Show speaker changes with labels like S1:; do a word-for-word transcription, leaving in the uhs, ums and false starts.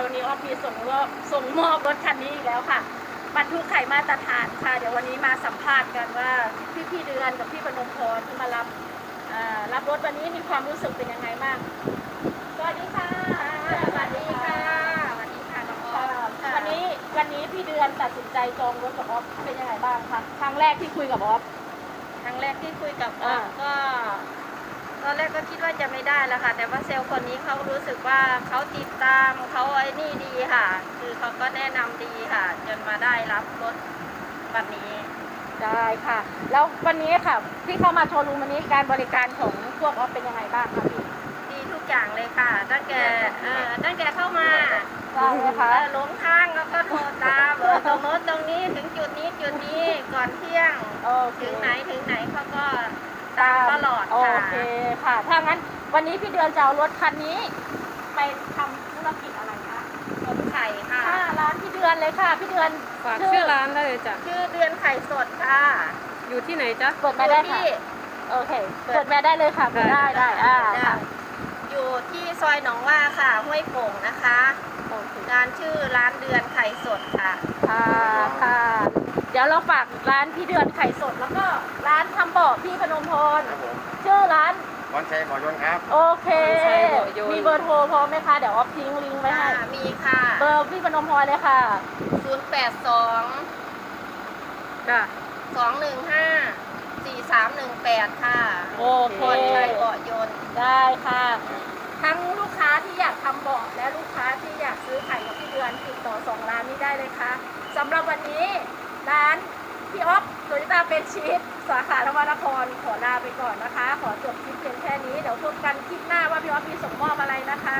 S1: วันนี้ออฟมีส่งมอบส่งมอบรถคันนี้อีกแล้วค่ะบรรทุกไข่มาตรฐานค่ะเดี๋ยววันนี้มาสัมภาษณ์กันว่าพี่พี่เดือนกับพี่พนมพรที่มารับรับรถวันนี้มีความรู้สึกเป็นยังไงบ้างสวัสดีค่ะสวัสดีค่ะสวัสดีค่ะน้องออฟวันนี้วันนี้พี่เดือนตัดสินใจจองรถกับออฟเป็นยังไงบ้างคะครั้งแรกที่คุยกับออฟ
S2: ครั้งแรกที่คุยกับออฟก็ตอนแรกก็คิดว่าจะไม่ได้แล้วค่ะแต่ว่าเซลล์คนนี้เขารู้สึกว่าเขาติดตามเขาไอ้นี่ดีค่ะคือเขาก็แนะนำดีค่ะจนมาได้รับรถวันนี้
S1: ได้ค่ะแล้ววันนี้ค่ะที่เข้ามาโชว์รูมวันนี้การบริการของพวกออฟเป็นยังไงบ้างคะพี่
S2: ดีทุกอย่างเลยค่ะตั้งแต่เอ่อตั้งแต่เข้ามา
S1: ได้ไหมคะ
S2: หลงทางแล้วก็โทรตามเออตรงโน้นตรงนี้ถึงจุดนี้จุดนี้ก่อนเที่ยงถึงไหนถึงไหนเขาก็ตามตลอด
S1: ค่ะโอ
S2: เค
S1: ค่ะถ้างั้นวันนี้พี่เดือนจะเอารถคันนี้ไปทำธุรกิจอะไรคะ
S2: ต้มไข่ค่ะ
S1: ร้านพี่เดือนเลยค่ะพี่เดือน
S3: ฝากชื่อร้านได้เลยจ้ะ
S2: ชื่อเดือนไข่สดค่ะ
S3: อยู่ที่ไหนจ๊ะ
S1: เปิดมาได้ค่ะโอเคเปิดมาได้เลยค่ะได้ได้อ่าค่ะ
S2: อยู่ที่ซอยหนองว่าค่ะห้วยโป่งนะคะร้านชื่อร้านเดือนไข่สดค่ะ
S1: ค่ะค่ะเดี๋ยวเราฝากร้านพี่เดือนไข่สดแล้วก็ร้านทำเบาะพี่พนมพรชื่อร้าน
S4: พรชัยบ่อยนครับ
S1: โอเคมีเบอร์โทรพร้อมไหมคะเดี๋ยวออฟทิ้งลิงก์ไว้ให้
S2: มีค่ะ
S1: เบอร์พี่พนมพรเลยค่ะ
S2: ศูนย์แปดสอง
S3: จ้ะ
S2: สองหนึ่งห้าสี่สามหนึ่งแปดค่ะ
S1: โอเค
S2: พรชัยบ่อยน
S1: ได้ค่ะทั้งลูกค้าที่อยากทำเบาะและลูกค้าที่อยากซื้อไข่กับพี่เดือนติดต่อสองร้านนี้ได้เลยค่ะสำหรับวันนี้ร้านพี่ออฟโตโยต้าเป็นชีสสาขานวนครขอลาไปก่อนนะคะขอจบคลิปเพียงแค่นี้เดี๋ยวพบกันคลิปหน้าว่าพี่ออฟมีส่งมอบอะไรนะคะ